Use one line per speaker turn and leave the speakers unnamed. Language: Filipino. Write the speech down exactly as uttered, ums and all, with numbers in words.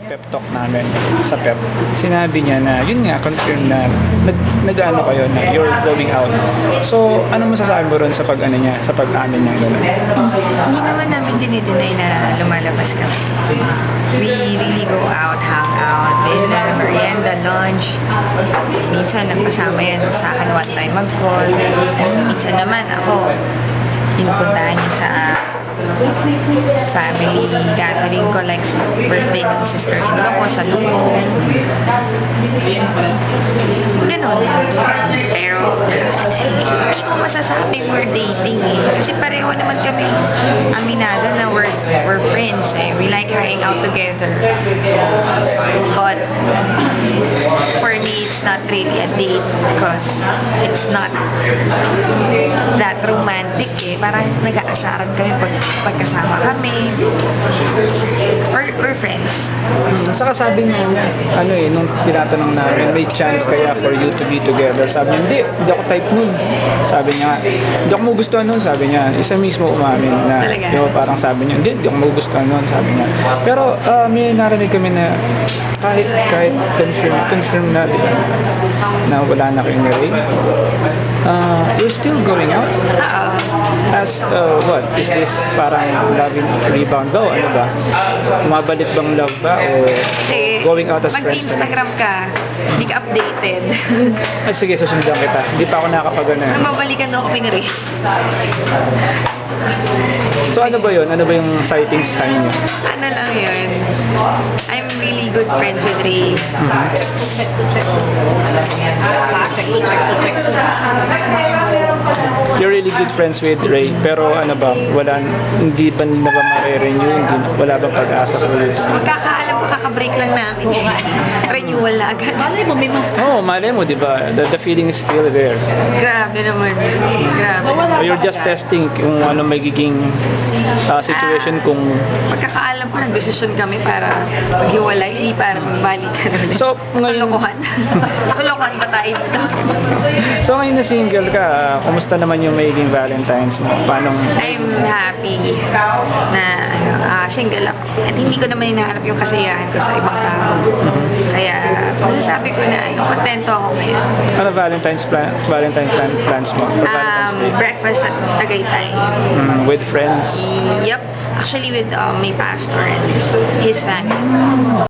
pep talk namin sa pep, sinabi niya na yun nga, confirm na nag, nag-ano kayo na you're going out. So, ano masasabi mo ron sa pag ano niya, sa pag-amin niya gano'n?
Hindi naman namin dinideny na lumalabas kami. We really go out, hang out, dinner, merienda, lunch. Minsan nagpasama yan sa akin one time mag-call. Minsan naman ako, pinupuntahan niya sa family gathering ko, like birthday ng sister-in-law ko sa Lubong. Ganon. Pero hindi ko masasabing we're dating eh. Kasi pareho naman kami aminado na we're, we're friends eh. We like hanging out together. But for me, it's not really a date because it's not that romantic eh. Parang nag-aasaran kami pag pagkasama kami. Or, or friends.
Saka sabi niya, ano eh, nung tinatanong namin, may chance kaya for you to be together? Sabi niya, hindi, hindi ako type nun. Sabi niya, hindi ako magustuhan nun. Sabi niya, isa mismo umamin na,
Talaga?
yung parang sabi niya, hindi, hindi ako magustuhan nun. Sabi niya. Pero uh, may narinig kami na kahit, kahit confirm, confirm na, di ba, na wala na kayong ring, uh, you're still going out?
Oo.
As, uh, what? Is this parang loving rebound ba? O ano ba? Umabalik bang love ba? O
Kasi,
going out as friends na lang?
mag-Instagram ka, hindi ka updated.
Ay, sige, susundan kita. Hindi pa ako nakakapag-ano.
Nung babalikan ako pinari.
So ano ba yun? Ano ba yung sighting sign niyo?
Ano lang yun? I'm really good friends with Ray.
Mhm.
Check, check, check.
You're really good friends with Ray, pero ano ba? Wala, hindi ba na ba ma-renew? Hindi, wala bang pag-asa for this?
Magkakaalam ko, kaka-break lang namin. Renewal na agad. Malay mo, may mga...
Oo, oh, malay mo, di ba? The, the feeling is still there.
Grabe naman yun. Grabe.
So you're just testing kung ano magiging uh, situation kung...
Magkakaalam ko, nag-desisyon kami para maghiwalay, hindi para magbalikan ulit.
So, ngayon...
Kalokohan. Kalokohan ba tayo dito?
So ngayon na single ka, uh, kumusta naman yung magiging Valentine's mo? Paano?
I'm happy na ano, ah, single ako. At hindi ko naman hinahanap yung kasiyahan ko sa ibang tao. Kaya, masasabi ko na ano, kontento ako ngayon.
Ano Valentine's plan, Valentine's plan, plans mo? For Valentine's
Um,
Day?
breakfast at Tagaytay.
Mm, with friends?
Yep. Actually with um, my pastor and his family.